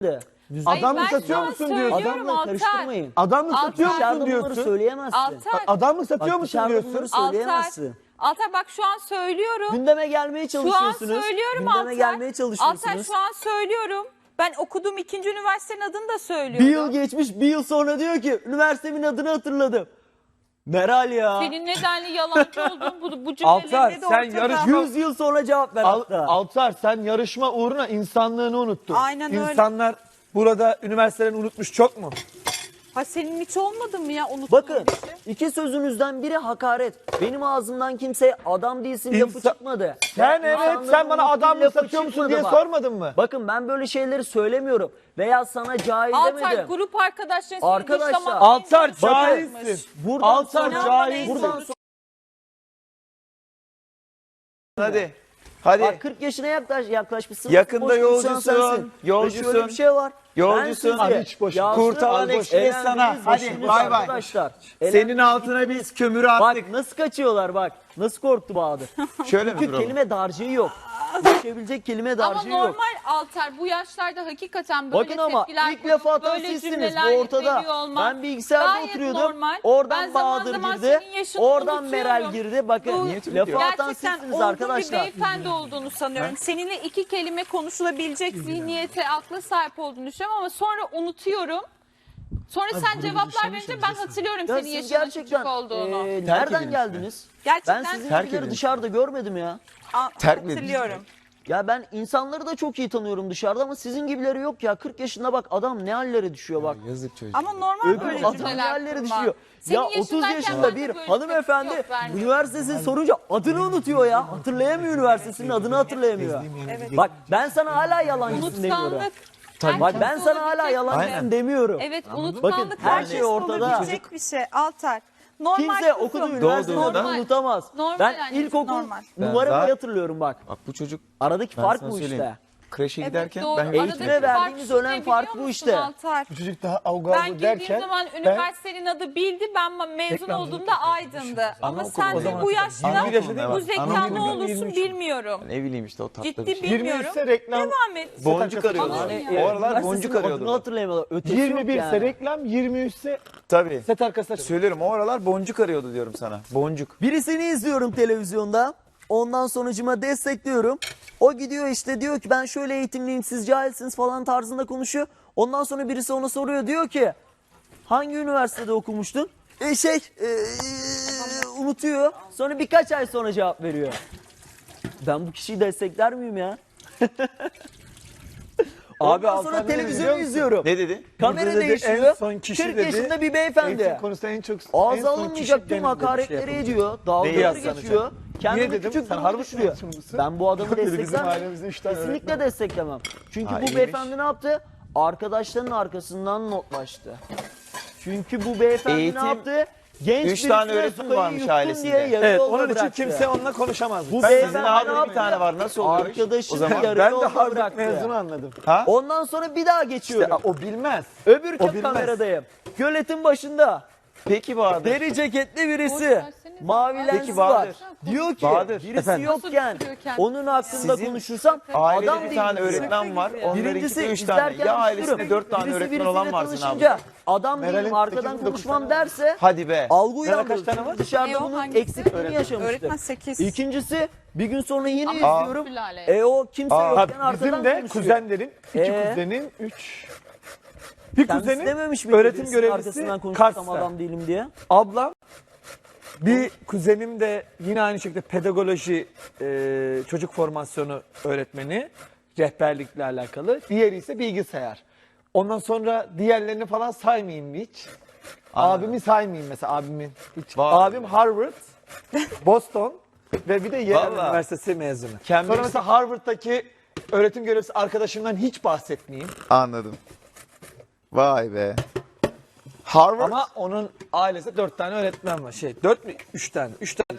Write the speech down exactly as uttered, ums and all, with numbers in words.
Adam mı ben satıyor sana musun diyorsun? söylüyorum. Adamla Altar. karıştırmayın. Adam mı Altar. satıyor musun Dışarıda bunları diyorsun? söyleyemezsin. Altar. Adam mı satıyor Bak, musun dışarıda diyorsun? bunları Altar. söyleyemezsin. Altar bak şu an söylüyorum. Gündeme gelmeye Şu an çalışıyorsunuz. söylüyorum Gündeme Altar. gelmeye çalışıyorsunuz. Altar şu an söylüyorum. Ben okuduğum ikinci üniversitenin adını da Bir söylüyorum. yıl geçmiş, bir yıl sonra diyor ki üniversitemin adını hatırladım. Meral ya. Senin nedenli yalancı olduğun bu, bu Altar, cümlelerinde de sen ortada. yarışma- yüz yıl sonra cevap ver Al, hatta. Altar sen yarışma uğruna insanlığını unuttun. Aynen öyle. İnsanlar burada üniversitelerini unutmuş çok mu? Ha senin hiç olmadı mı ya unuttuğun Bakın bir şey? iki sözünüzden biri hakaret. Benim ağzımdan kimseye adam değilsin lafı İnsan- çıkmadı. Sen Ya evet insanların sen bana unuttuğu adam mı lafı satıyor musun çıkmadı diye bak. sormadın mı? Bakın ben böyle şeyleri söylemiyorum. Veya sana cahil Altar demedim. grup arkadaşların seni Arkadaşlar, dışlamak Altar için çalışmış. cahilsin. Buradan Altar sonra, cahilsin. buradan sonra Hadi. Hadi. bak kırk yaşına yaklaş, yaklaşmışsın. Yakında Boş konuşan yolcusun, sensin. yolcusun. Ve şöyle bir şey var. Yolcusun. Ben sizi Hadi hiç boş ver. yazdığım Kurtalan boş- Express eğlendiğiniz sana. Hadi, başınız bay bay. Arkadaşlar. Senin Eğlendiğiniz- altına biz kömürü attık. Bak nasıl kaçıyorlar bak. Nasıl korktu Bahadır. Şöyle mi Çünkü duralım? kelime dağarcığı yok. Düşebilecek kelime Ama dağarcığı yok. normal Altar bu yaşlarda hakikaten böyle Bakın ama tepkiler ilk lafı koyup atan böyle sizsiniz cümleler bu ortada. veriyor olman Ben bilgisayarda gayet oturuyordum. normal. Oradan Ben zaman Bahadır zaman girdi. senin yaşını Oradan unutuyorum. Meral girdi. Bakın Bu lafı atan gerçekten sizsiniz olgun arkadaşlar. bir beyefendi olduğunu sanıyorum. Seninle iki kelime konuşulabilecek zihniyete, akla sahip olduğunu düşünüyorum ama sonra unutuyorum. Sonra sen cevaplar verince ben hatırlıyorum Ya senin siz yaşının gerçekten küçük olduğunu. e, Terk nereden edilmiş geldiniz? Gerçekten Ben sizin terk gibileri edilmiş. dışarıda görmedim ya. Aa, Terk mi hatırlıyorum. Ya ben insanları da çok iyi tanıyorum dışarıda ama sizin gibileri yok ya. kırk yaşında bak adam ne hallere düşüyor bak. Yazık çocuk. Ama normal Öbür böyle adam ne cümleler hallere kurma. düşüyor. Senin Ya otuz yaşındayken yaşında ben de bir böyle hanımefendi tepki yok, vermiyorum. üniversitesini sorunca adını unutuyor ya. Hatırlayamıyor üniversitesinin adını hatırlayamıyor. Bak ben sana hala yalancısın demiyorum. Unutkanlık. Bak ben sana hala Olabilecek yalancısın Aynen. demiyorum. Evet Bakın unutkanlık her var. şey ortada. Olabilecek bir şey Altar. Normal Kimse kızım. okuduğu üniversitede Doğduğunda- adını unutamaz. Normal Ben annesi, ilkokul normal. numaramı zaten- hatırlıyorum bak. Bak bu çocuk Aradaki ben fark sana bu söyleyeyim. işte. Kreşe giderken doğru. ben Aradaki Eğitime fark verdiğimiz şu ne önem biliyor fark bu musun işte. Altar? Bu çocuk daha Ben avgavı girdiğim derken zaman ben üniversitenin adı bildi. Ben ma- mezun Reklamcılık olduğumda Aydın'dı. Ama Anaokulu sen o de zaman bu hatırladım. yaşta yirmi bir yaşındayım bu ben. zeka Anaokulu ne olursun yirmi üç. bilmiyorum. Ne bileyim işte o tatlı Ciddi bir şey. yirmi bilmiyorum. ise reklam, Devam et. Boncuk arıyordu. Hani- O aralar Üniversitesinin boncuk adını arıyordu. hatırlayamadılar. Ötesi yirmi yok bir yani. ise reklam, yirmi üç ise Tabii. set arkası açılıyor. Söylüyorum o aralar boncuk arıyordu diyorum sana. Boncuk. Birisini izliyorum televizyonda. Ondan sonucuma destekliyorum. O gidiyor işte diyor ki ben şöyle eğitimliyim siz cahilsiniz falan tarzında konuşuyor. Ondan sonra birisi ona soruyor diyor ki hangi üniversitede okumuştun? E şey e, unutuyor. Sonra birkaç ay sonra cevap veriyor. Ben bu kişiyi destekler miyim ya? Abi Ondan sonra Altan ne dedi biliyor televizyonu musun? izliyorum. Ne dedi? Kamera Burada dedi, değişiyor. en son kişi kırk dedi, yaşında bir Eğitim beyefendi. konusunda en çok en Ağza son alınmayacak kişi tüm benim dedi, hakaretleri şey yapılacak. ediyor. Dalgaları yazsana geçiyor. Kendini Niye dedim? küçük Sen duruma Harvard düşürüyor. mezunu Ben bu adamı Yok dedi, bizim desteklemem. ailemizde üç tane Kesinlikle öğretmen var. desteklemem. Çünkü Ha, bu iyiymiş. beyefendi ne yaptı? Arkadaşlarının arkasından notlaştı. Çünkü bu beyefendi Eğitim- ne yaptı? Genç Üç tane birisine öğretmen sopayı varmış yuttun ailesinde. diye yarı Evet yolda onun için bıraktı. kimse onunla konuşamaz. Bu Ben beyefendi Sizin ne abinin bir yaptı? tane var nasıl oluyor? Arkadaşını O zaman yarı ben de yolda Harvard bıraktı. mezunu anladım. Ha? Ondan sonra bir daha geçiyorum. İşte o bilmez. Öbür o bilmez. kameradayım. Göletin başında. Peki Bahadır. Deri ceketli Boş birisi. versene. Mavi Peki lensi Bahadır. var. Diyor ki Bahadır, birisi efendim. yokken Nasıl tutuyor kendini? onun hakkında Sizin konuşursam Ailede adam bir değil. tane diyor. öğretmen var. Onlarınki Birincisi de üç tane. izlerken Ya ailesinde düşünürüm. dört tane Birisi öğretmen birisiyle olan var senin tanışınca abi. adam değilim Meral'in arkadan sekiz, dokuz konuşmam tane var. derse Hadi be. algı Meral'in kaç uyandırır. tane var? Dışarıda E o bunun hangisi? eksikliğini yaşamıştır. Öğretmen sekiz. İkincisi bir gün sonra yine Ama izliyorum. Sülale. E o kimse Aa, yokken Ha, arkadan bizim de konuşuyor. kuzenlerin, iki Ee? kuzenin, üç... Bir Kendisi kuzenin dememiş miydi öğretim birisinin görevlisi arkasından konuşursam Kars'ta. adam değilim diye. Ablam, bir kuzenim de yine aynı şekilde pedagoloji, e, çocuk formasyonu öğretmeni, rehberlikle alakalı. Diğeri ise bilgisayar. Ondan sonra diğerlerini falan saymayayım hiç. Anladım. Abimi saymayayım mesela abimin. Hiç. Var. Abim Harvard, Boston ve bir de Yale Vallahi. Üniversitesi mezunu. Cambridge- Sonra mesela Harvard'daki öğretim görevlisi arkadaşımdan hiç bahsetmeyeyim. Anladım. Vay be. Harvard. Ama onun ailesinde dört tane öğretmen var. Şey, dört mü? Üç tane. Üç tane